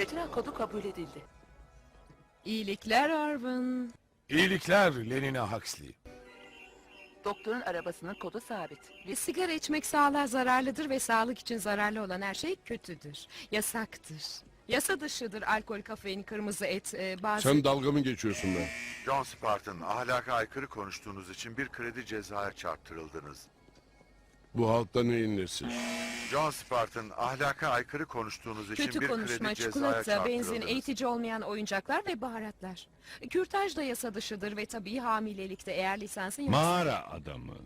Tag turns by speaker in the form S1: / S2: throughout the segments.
S1: Retina kodu kabul edildi.
S2: İyilikler Arvin.
S3: İyilikler Lenina Huxley.
S1: Doktorun arabasının kodu sabit.
S2: Sigara içmek sağlığa zararlıdır ve sağlık için zararlı olan her şey kötüdür. Yasaktır. Yasa dışıdır alkol, kafein, kırmızı et, bazı...
S4: Sen dalga mı geçiyorsun be?
S5: John Spartan, ahlaka aykırı konuştuğunuz için bir kredi cezaya çarptırıldınız.
S4: Bu halkta neyin nesi?
S5: John Spartan, ahlaka aykırı konuştuğunuz için
S2: Kötü
S5: bir
S2: konuşma,
S5: kredi cezaya
S2: çikolata, benzin,
S5: çarptırıldınız.
S2: eğitici olmayan oyuncaklar ve baharatlar. Kürtaj da yasa dışıdır ve tabii hamilelikte eğer lisansın yoksa...
S6: Mağara adamı.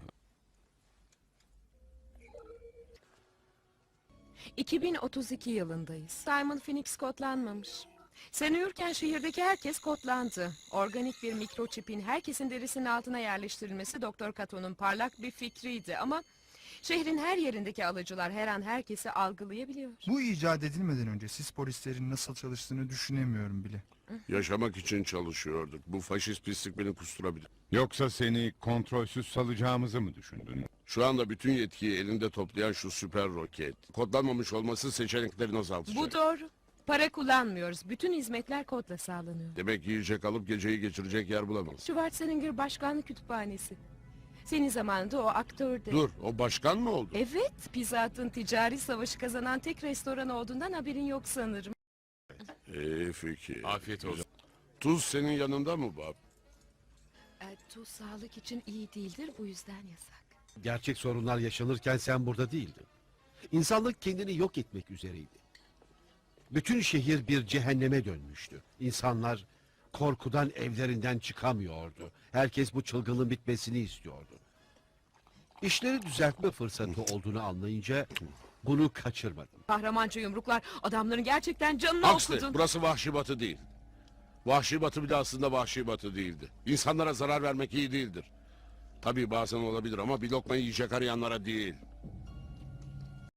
S2: 2032 yılındayız. Simon Phoenix kodlanmamış. Sen uyurken şehirdeki herkes kodlandı. Organik bir mikroçipin herkesin derisinin altına yerleştirilmesi Doktor Cato'nun parlak bir fikriydi ama... Şehrin her yerindeki alıcılar her an herkesi algılayabiliyor.
S7: Bu icat edilmeden önce siz polislerin nasıl çalıştığını düşünemiyorum bile.
S4: Yaşamak için çalışıyorduk. Bu faşist pislik beni kusturabilir.
S6: Yoksa seni kontrolsüz salacağımızı mı düşündün?
S4: Şu anda bütün yetkiyi elinde toplayan şu süper roket. Kodlanmamış olması seçeneklerini azaltacak.
S2: Bu doğru. Para kullanmıyoruz. Bütün hizmetler kodla sağlanıyor.
S4: Demek yiyecek alıp geceyi geçirecek yer bulamaz.
S2: Schwarzenegger Başkanlık Kütüphanesi. Senin zamanında o aktördü.
S4: Dur, o başkan mı oldu?
S2: Evet, Pizza Hut'ın ticari savaşı kazanan tek restoran olduğundan haberin yok sanırım.
S4: İyi fikir.
S3: Afiyet olsun.
S4: Tuz senin yanında mı bab?
S2: Tuz sağlık için iyi değildir, bu yüzden yasak.
S8: Gerçek sorunlar yaşanırken sen burada değildin. İnsanlık kendini yok etmek üzereydi. Bütün şehir bir cehenneme dönmüştü. İnsanlar korkudan evlerinden çıkamıyordu. Herkes bu çılgınlığın bitmesini istiyordu. İşleri düzeltme fırsatı olduğunu anlayınca bunu kaçırmadım.
S2: Kahramanca yumruklar adamların gerçekten canını
S4: Huxley,
S2: okudun.
S4: burası Vahşi Batı değil. Vahşi Batı bile aslında Vahşi Batı değildi. İnsanlara zarar vermek iyi değildir. Tabii bazen olabilir ama bir lokma yiyecek arayanlara değil.